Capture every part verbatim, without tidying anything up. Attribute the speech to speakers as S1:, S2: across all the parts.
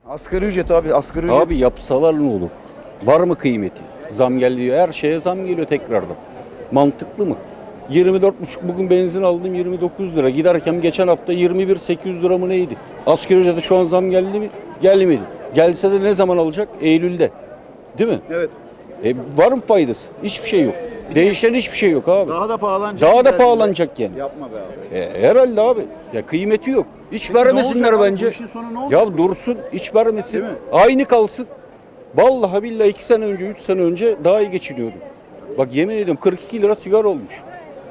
S1: Asgari ücret abi, asgari ücret.
S2: Abi yapsalar ne olur? Var mı kıymeti? Zam geliyor. Her şeye zam geliyor tekrardan. Mantıklı mı? yirmi dört buçuk bugün benzin aldım yirmi dokuz lira. Giderken geçen hafta yirmi bir bin sekiz yüz lira mı neydi? Asgari ücrete şu an zam geldi mi? Gelmedi. Gelse de ne zaman alacak? Eylül'de. Değil mi?
S1: Evet.
S2: E, var mı faydası? Hiçbir şey yok. Değişen hiçbir şey yok abi.
S1: Daha da pahalanacak.
S2: Daha da
S1: ileride.
S2: pahalanacak yani.
S1: Yapma be abi.
S2: E, herhalde abi. Ya kıymeti yok. Hiç
S1: Peki ne
S2: vermesinler
S1: olacak abi?
S2: bence.
S1: Bu işin sonu ne olacak?
S2: Ya dursun, hiç vermesin.
S1: Değil mi?
S2: Aynı kalsın. Vallahi billahi iki sene önce, üç sene önce daha iyi geçiniyordum. Bak yemin ediyorum kırk iki lira sigara olmuş.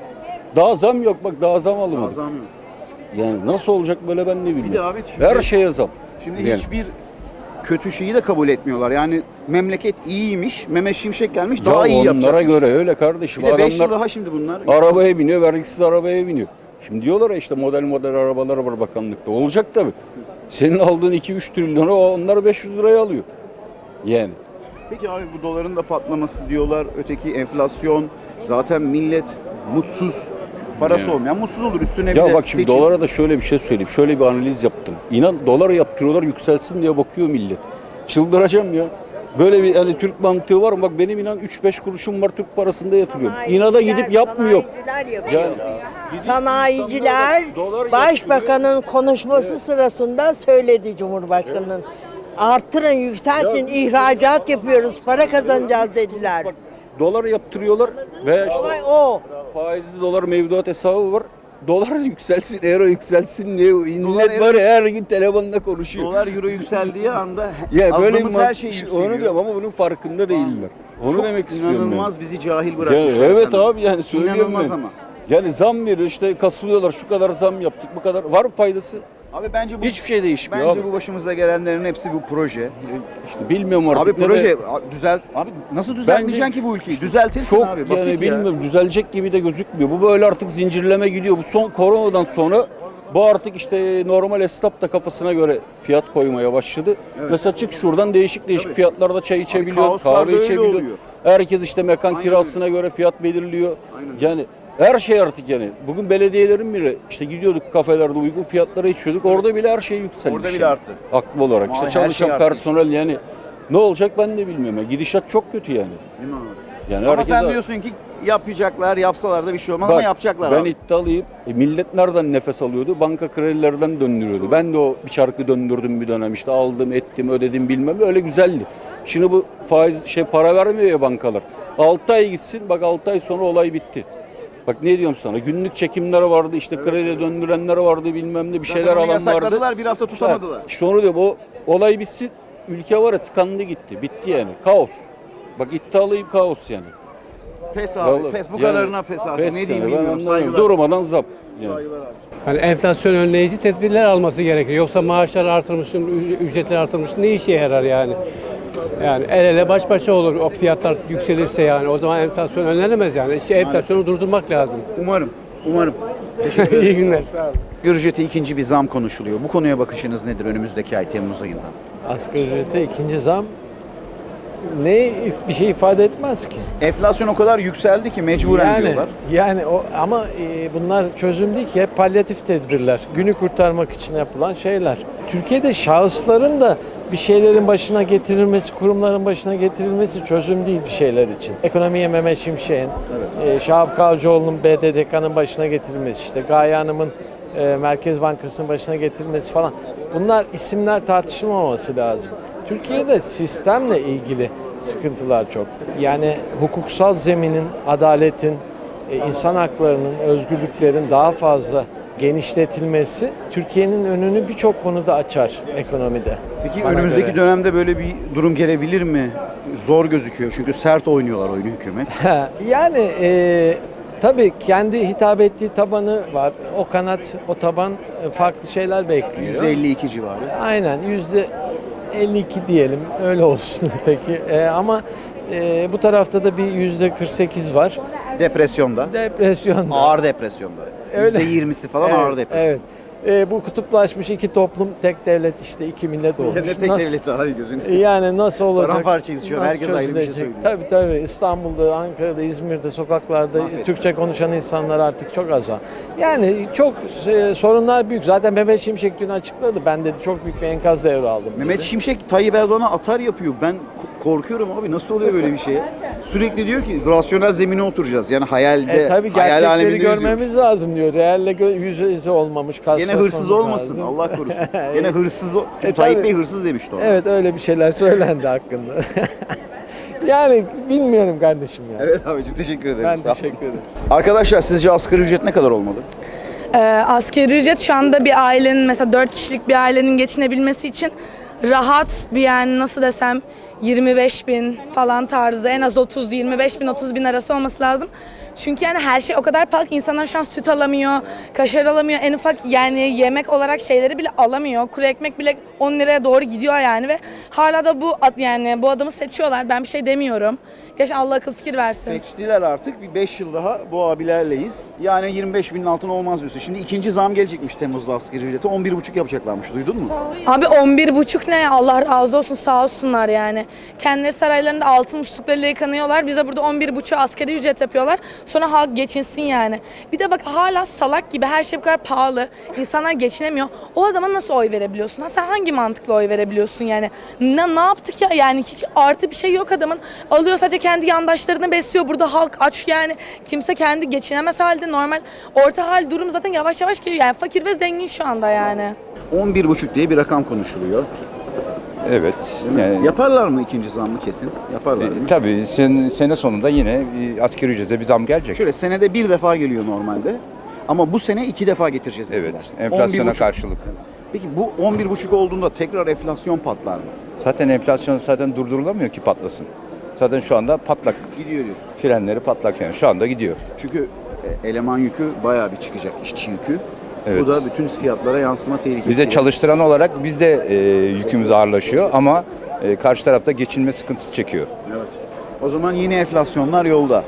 S2: Daha zam yok bak, daha zam alınmadı.
S1: Azam yok.
S2: Yani nasıl olacak böyle ben ne bilmiyorum.
S1: Bir de abi şimdi-
S2: Her şeye zam.
S1: Şimdi
S2: Yani.
S1: hiçbir kötü şeyi de kabul etmiyorlar. Yani memleket iyiymiş, Mehmet Şimşek gelmiş
S2: Ya
S1: daha iyi yapacak.
S2: onlara göre öyle kardeşim.
S1: Bir de beş yıl
S2: Adamlar
S1: daha şimdi bunlar.
S2: arabaya biniyor, vergisiz arabaya biniyor. Şimdi diyorlar ya işte model model arabalar var bakanlıkta. Olacak tabii. Senin aldığın iki üç trilyonu onlar beş yüz liraya alıyor. Yani.
S1: Peki abi bu doların da patlaması diyorlar. Öteki enflasyon. Zaten millet mutsuz. Parası
S2: Yani.
S1: olmayan mutsuz olur. Üstüne bir
S2: Ya
S1: de
S2: bak şimdi
S1: seçim.
S2: dolara da şöyle bir şey söyleyeyim. Şöyle bir analiz yaptım. İnan dolar yaptırıyorlar yükselsin diye bakıyor millet. Çıldıracağım ya. Böyle bir hani Türk mantığı var mı? Bak benim inan üç beş kuruşum var Türk parasında yatırıyorum. İnada gidip yapmıyor.
S3: Sanayiciler yapıyor.
S2: Yani
S3: Sanayiciler
S2: dolar
S3: Başbakanın konuşması sırasında söyledi Cumhurbaşkanı'nın. Arttırın, yükseltin, ihracat yapıyoruz, para kazanacağız dediler.
S2: Bak dolar yaptırıyorlar ve
S3: Olay o.
S2: faizli dolar mevduat hesabı var. Dolar yükselsin, euro yükselsin diye millet
S1: euro-
S2: var ya her gün telefonda konuşuyor.
S1: Dolar euro yükseldiği anda
S2: Ya böyle
S1: aldığımız
S2: bir
S1: her şey
S2: man-
S1: yükseliyor.
S2: onu diyorum ama bunun farkında değiller. Onu
S1: Çok
S2: demek istiyorum ben.
S1: inanılmaz bizi cahil
S2: Ya
S1: bırakmışlar.
S2: evet
S1: efendim.
S2: abi yani söylüyorum
S1: İnanılmaz
S2: ben.
S1: ama.
S2: Yani zam veriyor işte kasılıyorlar şu kadar zam yaptık bu kadar. Var mı faydası?
S1: Abi bence bu
S2: Hiçbir şey değişmiyor
S1: bence
S2: abi.
S1: bu başımıza gelenlerin hepsi bu proje.
S2: İşte bilmiyorum artık.
S1: Abi
S2: ne
S1: proje
S2: de-
S1: abi düzelt abi nasıl düzeltmeyeceksin
S2: Bence
S1: ki bu ülkeyi? Düzeltirsin
S2: Çok
S1: abi basit
S2: yani
S1: ya.
S2: bilmiyorum düzelecek gibi de gözükmüyor. Bu böyle artık zincirleme gidiyor. Bu son koronadan sonra bu artık işte normal esnaf da kafasına göre fiyat koymaya başladı. Mesela çık şuradan değişik değişik
S1: Tabii.
S2: fiyatlarda çay içebiliyor,
S1: kaoslar
S2: kahve
S1: böyle
S2: içebiliyor.
S1: oluyor.
S2: Herkes işte mekan
S1: Aynen
S2: kirasına göre fiyat belirliyor.
S1: Aynen öyle.
S2: Yani her şey artık yani. Bugün belediyelerin bile işte gidiyorduk kafelerde uygun fiyatlara içiyorduk. Orada bile her şey yükselmiş.
S1: Orada bile
S2: yani.
S1: arttı.
S2: Haklı olarak.
S1: Vallahi
S2: İşte
S1: her
S2: çalışan
S1: şey arttı.
S2: personel yani ne olacak ben de bilmiyorum. Ya. Gidişat çok kötü yani.
S1: Değil mi abi?
S2: Yani
S1: Ama
S2: herkes
S1: sen diyorsun ki yapacaklar, yapsalar da bir şey olmaz ama
S2: Bak,
S1: yapacaklar
S2: ben
S1: abi.
S2: iddialıyım. E, millet nereden nefes alıyordu? Banka kredilerden döndürüyordu. Ben de o bir çarkı döndürdüm bir dönem. İşte aldım, ettim, ödedim bilmem. Öyle güzeldi. Şimdi bu faiz şey para vermiyor ya bankalar. altı ay gitsin. Bak altı ay sonra olay bitti. Bak ne diyorum sana? Günlük çekimler vardı. İşte kredi döndürenler vardı bilmem ne bir şeyler
S1: Zaten onu
S2: alan vardı.
S1: yasakladılar, bir hafta tutamadılar.
S2: Ha, işte onu diyorum. O olay bitsin. Ülke var ya tıkandı gitti. Bitti yani. Kaos. Bak iddialıyım kaos yani.
S1: Pes abi,
S2: Vallahi
S1: pes bu
S2: yani
S1: kadarına pes abi.
S2: pes
S1: Ne
S2: yani,
S1: diyeyim
S2: ben
S1: bilmiyorum.
S2: anlamıyorum.
S1: Saygılar.
S2: Durmadan zam. Yani.
S1: Saygılar abi.
S4: Hani enflasyon önleyici tedbirler alması gerekiyor. Yoksa maaşlar artırmışsın, ü- ücretler artırmışsın ne işe yarar yani? Yani el ele baş başa olur o fiyatlar yükselirse yani. O zaman enflasyon önlenemez yani. İşte enflasyonu durdurmak lazım.
S1: Umarım, umarım. Teşekkür ederim.
S4: İyi günler. Sağ olun.
S1: Asgari ücrete ikinci bir zam konuşuluyor. Bu konuya bakışınız nedir önümüzdeki ay Temmuz ayında?
S5: Asgari ücrete ikinci zam ne bir şey ifade etmez ki.
S1: Enflasyon o kadar yükseldi ki mecburen
S5: yani,
S1: diyorlar.
S5: Yani o ama e, bunlar çözüm değil ki hep palyatif tedbirler. Günü kurtarmak için yapılan şeyler. Türkiye'de şahısların da bir şeylerin başına getirilmesi, kurumların başına getirilmesi çözüm değil bir şeyler için. Ekonomiye Mehmet Şimşek'in, e, Şahap Kavcıoğlu'nun B D D K'nın başına getirilmesi, işte Gaye Hanım'ın e, Merkez Bankası'nın başına getirilmesi falan. Bunlar isimler tartışılmaması lazım. Türkiye'de sistemle ilgili sıkıntılar çok. Yani hukuksal zeminin, adaletin, e, insan haklarının, özgürlüklerin daha fazla genişletilmesi Türkiye'nin önünü birçok konuda açar ekonomide.
S1: Peki
S5: Bana
S1: önümüzdeki
S5: göre.
S1: dönemde böyle bir durum gelebilir mi? Zor gözüküyor çünkü sert oynuyorlar oyunu hükümet.
S5: Yani e, tabii kendi hitap ettiği tabanı var. O kanat, o taban e, farklı şeyler bekliyor.
S1: yüzde elli iki civarı.
S5: Aynen yüzde elli iki diyelim öyle olsun peki. E, ama e, bu tarafta da bir yüzde kırk sekiz var.
S1: Depresyonda.
S5: Depresyon.
S1: Ağır depresyonda.
S5: Öyle.
S1: yüzde yirmisi falan
S5: Evet,
S1: ağır depresyon.
S5: Evet. e, bu kutuplaşmış iki toplum, tek devlet işte, iki millet olmuş.
S1: Ne tek
S5: Nasıl-
S1: devleti hadi gözünü.
S5: Yani nasıl olacak?
S1: Paramparçayız şu an,
S5: Nasıl
S1: herkes ayrı bir şey
S5: çözülecek?
S1: söylüyor.
S5: Tabii tabii. İstanbul'da, Ankara'da, İzmir'de, sokaklarda
S1: Mahvettiler.
S5: Türkçe konuşan insanlar artık çok az var. Yani çok e, sorunlar büyük. Zaten Mehmet Şimşek dün açıkladı. Ben dedi çok büyük bir enkaz devraldım.
S1: Mehmet
S5: dedi.
S1: Şimşek Tayyip Erdoğan'a atar yapıyor. Ben ko- korkuyorum abi, nasıl oluyor böyle bir şey? Sürekli diyor ki rasyonel zemine oturacağız. Yani hayalde,
S5: E tabii
S1: hayal
S5: gerçekleri
S1: aleminde yüzüyoruz.
S5: görmemiz lazım diyor. Realle gö- yüz yüze olmamış.
S1: Gene hırsız
S5: karşılaşmamız
S1: olmasın,
S5: lazım.
S1: Allah korusun. Gene hırsız, o- çünkü
S5: E,
S1: Tayyip
S5: tabii.
S1: Bey hırsız demişti ona.
S5: Evet, öyle bir şeyler söylendi hakkında. Yani bilmiyorum kardeşim ya.
S1: Evet abicim, teşekkür ederim.
S5: Ben
S1: Sağ ol.
S5: teşekkür ederim.
S1: Arkadaşlar, sizce asgari ücret ne kadar olmalı?
S6: Ee, asgari ücret şu anda bir ailenin, mesela dört kişilik bir ailenin geçinebilmesi için rahat bir, yani nasıl desem, yirmi beş bin falan tarzı, en az otuz, yirmi beş bin, otuz bin arası olması lazım. Çünkü yani her şey o kadar pahalı ki insanlar şu an süt alamıyor, kaşar alamıyor, en ufak yani yemek olarak şeyleri bile alamıyor. Kuru ekmek bile on liraya doğru gidiyor yani ve hala da bu ad- yani bu adamı seçiyorlar. Ben bir şey demiyorum. Gerçekten Allah akıl fikir versin.
S1: Seçtiler artık. Bir beş yıl daha bu abilerleyiz. Yani yirmi beş binin altına olmaz diyorsun. Şimdi ikinci zam gelecekmiş Temmuz'da asgari ücrete. on bir buçuk yapacaklarmış. Duydun mu?
S6: Abi on bir buçuk ne? Allah razı olsun, sağ olsunlar yani. Kendileri saraylarında altın musluklarıyla yıkanıyorlar. Bize burada on bir buçuk asgari ücret yapıyorlar. Sonra halk geçinsin yani. Bir de bak, hala salak gibi her şey bu kadar pahalı. İnsanlar geçinemiyor. O adama nasıl oy verebiliyorsun? Ha, sen hangi mantıkla oy verebiliyorsun yani? Ne, ne yaptık ya? Yani hiç artı bir şey yok adamın. Alıyor sadece kendi yandaşlarını besliyor. Burada halk aç yani. Kimse kendi geçinemez halde. Normal orta hal durum zaten yavaş yavaş geliyor. Yani fakir ve zengin şu anda yani.
S1: on bir buçuk diye bir rakam konuşuluyor.
S7: Evet. Yani,
S1: Yaparlar mı ikinci zammı kesin? Yaparlar
S7: e,
S1: değil mi?
S7: tabii sen, sene sonunda yine e, asgari ücrete bir zam gelecek.
S1: Şöyle senede bir defa geliyor normalde. Ama bu sene iki defa getireceğiz dediler.
S7: Evet. Enflasyona
S1: on bir buçuk.
S7: karşılık.
S1: Peki bu on bir buçuk olduğunda tekrar enflasyon patlar mı?
S7: Zaten enflasyon zaten durdurulamıyor ki patlasın. Zaten şu anda patlak.
S1: Gidiyor diyorsun.
S7: Frenleri patlak yani. Şu anda gidiyor.
S1: Çünkü e, eleman yükü bayağı bir çıkacak, işçi yükü.
S7: Evet.
S1: Bu da bütün fiyatlara yansıma tehlikesi.
S7: Biz de çalıştıran olarak biz de e, yükümüz ağırlaşıyor ama e, karşı tarafta geçinme sıkıntısı çekiyor.
S1: Evet. O zaman yine enflasyonlar yolda.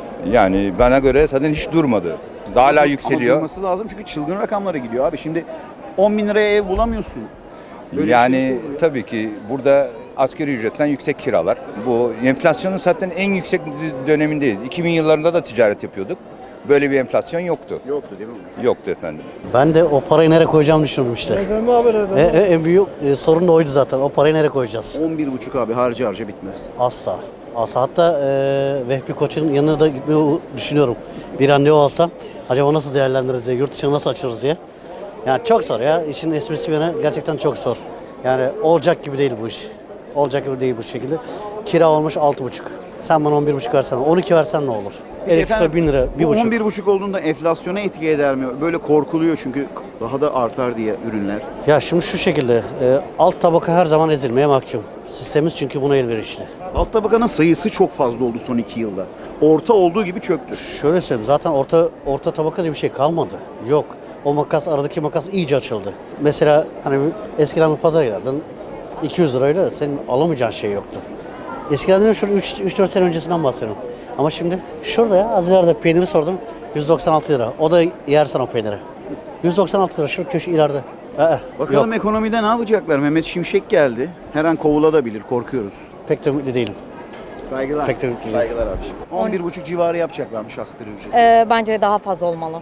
S7: Yani bana göre zaten hiç durmadı. Daha hala
S1: Ama
S7: yükseliyor.
S1: durması lazım çünkü çılgın rakamlara gidiyor abi. Şimdi on bin liraya ev bulamıyorsun. Böyle bir
S7: Yani
S1: şey oluyor.
S7: tabii ki burada asgari ücretten yüksek kiralar. Bu enflasyonun zaten en yüksek dönemindeyiz. iki bin yıllarında da ticaret yapıyorduk. Böyle bir enflasyon yoktu.
S1: Yoktu değil mi?
S7: Yoktu efendim.
S8: Ben de o parayı nereye koyacağımı düşünüyorum işte. E, e, en büyük e, sorun da oydu zaten. O parayı nereye koyacağız?
S1: on bir buçuk abi, harca harca bitmez.
S8: Asla. Asla. Hatta e, Vehbi Koç'un yanına da gitmeyi düşünüyorum. Bir an ne olsam acaba nasıl değerlendiririz diye, yurt dışına nasıl açılırız diye. Yani çok zor ya. İşin esprisi bana gerçekten çok zor. Yani olacak gibi değil bu iş. Olacak gibi değil bu şekilde. Kira olmuş altı buçuk. Sen bana on bir buçuk versen, on iki versen ne olur? Elektrik su bin lira, bir
S1: bu
S8: buçuk.
S1: on bir buçuk olduğunda enflasyona etki eder mi? Böyle korkuluyor çünkü daha da artar diye ürünler.
S8: Ya şimdi şu şekilde, e, alt tabaka her zaman ezilmeye mahkum. Sistemimiz çünkü buna elverişli.
S1: Alt tabakanın sayısı çok fazla oldu son iki yılda. Orta olduğu gibi çöktü.
S8: Şöyle söyleyeyim, zaten orta orta tabaka diye bir şey kalmadı. Yok. O makas, aradaki makas iyice açıldı. Mesela hani bir- eskiden bir pazara giderdin, iki yüz lirayla senin alamayacağın şey yoktu. Eskiden dedim şurada üç dört sene öncesinden bahsediyorum. Ama şimdi şurada ya az ileride peyniri sordum, yüz doksan altı lira. O da yersen o peyniri. yüz doksan altı lira şu köşe ileride. Ee,
S1: Bakalım
S8: yok.
S1: ekonomide ne yapacaklar? Mehmet Şimşek geldi. Her an kovulabilir, korkuyoruz.
S8: Pek de ümitli değilim.
S1: Saygılar.
S8: Pek de ümitli değilim.
S1: Saygılar abiciğim. on bir buçuk civarı yapacaklarmış asgari ücret.
S9: Ee, bence daha fazla olmalı.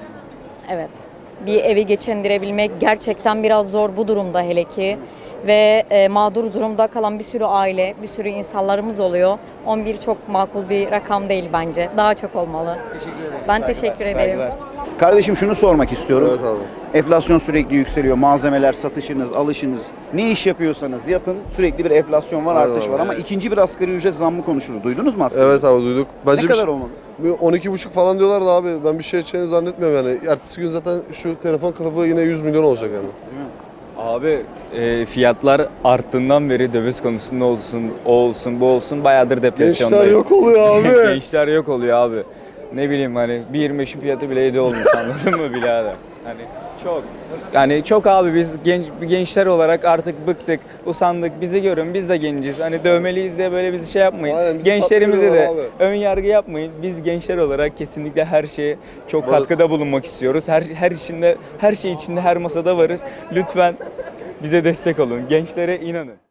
S9: Evet. Bir evi geçindirebilmek gerçekten biraz zor bu durumda hele ki. Ve e, mağdur durumda kalan bir sürü aile, bir sürü insanlarımız oluyor. on bir çok makul bir rakam değil bence. Daha çok olmalı.
S1: Teşekkür ederim.
S9: Ben teşekkür ederim.
S1: Saygılar. Kardeşim şunu sormak istiyorum.
S10: Evet abi.
S1: Enflasyon sürekli yükseliyor. Malzemeler, satışınız, alışınız. Ne iş yapıyorsanız yapın. Sürekli bir enflasyon var,
S10: Aynen
S1: artış
S10: abi,
S1: var. Ama
S10: evet.
S1: ikinci bir asgari ücret zammı konuşulur. Duydunuz mu asgari
S10: Evet
S1: ücret?
S10: abi duyduk. Bence
S1: Ne
S10: bir
S1: kadar
S10: şey-
S1: olmalı?
S10: bir on iki buçuk falan diyorlar da abi ben bir şey edeceğini zannetmiyorum yani. Ertesi gün zaten şu telefon kılıfı yine yüz milyon olacak yani.
S11: Abi e, fiyatlar arttığından beri döviz konusunda olsun, o olsun, bu olsun bayağıdır depresyondayım.
S10: Gençler yok oluyor abi.
S11: Gençler yok oluyor abi. Ne bileyim hani bir yirmi beşin fiyatı bile yedi olmuş anladın mı birader? Hani Çok. Yani çok abi biz genç gençler olarak artık bıktık, usandık. Bizi görün, biz de genciz. Hani dövmeliyiz diye böyle bizi şey yapmayın.
S10: Aynen, bizi
S11: Gençlerimize de
S10: kaptırıyorlar
S11: ön yargı yapmayın. Biz gençler olarak kesinlikle her şeye çok
S10: Varız.
S11: katkıda bulunmak istiyoruz. Her her içinde, her şey içinde, her masada varız. Lütfen bize destek olun. Gençlere inanın.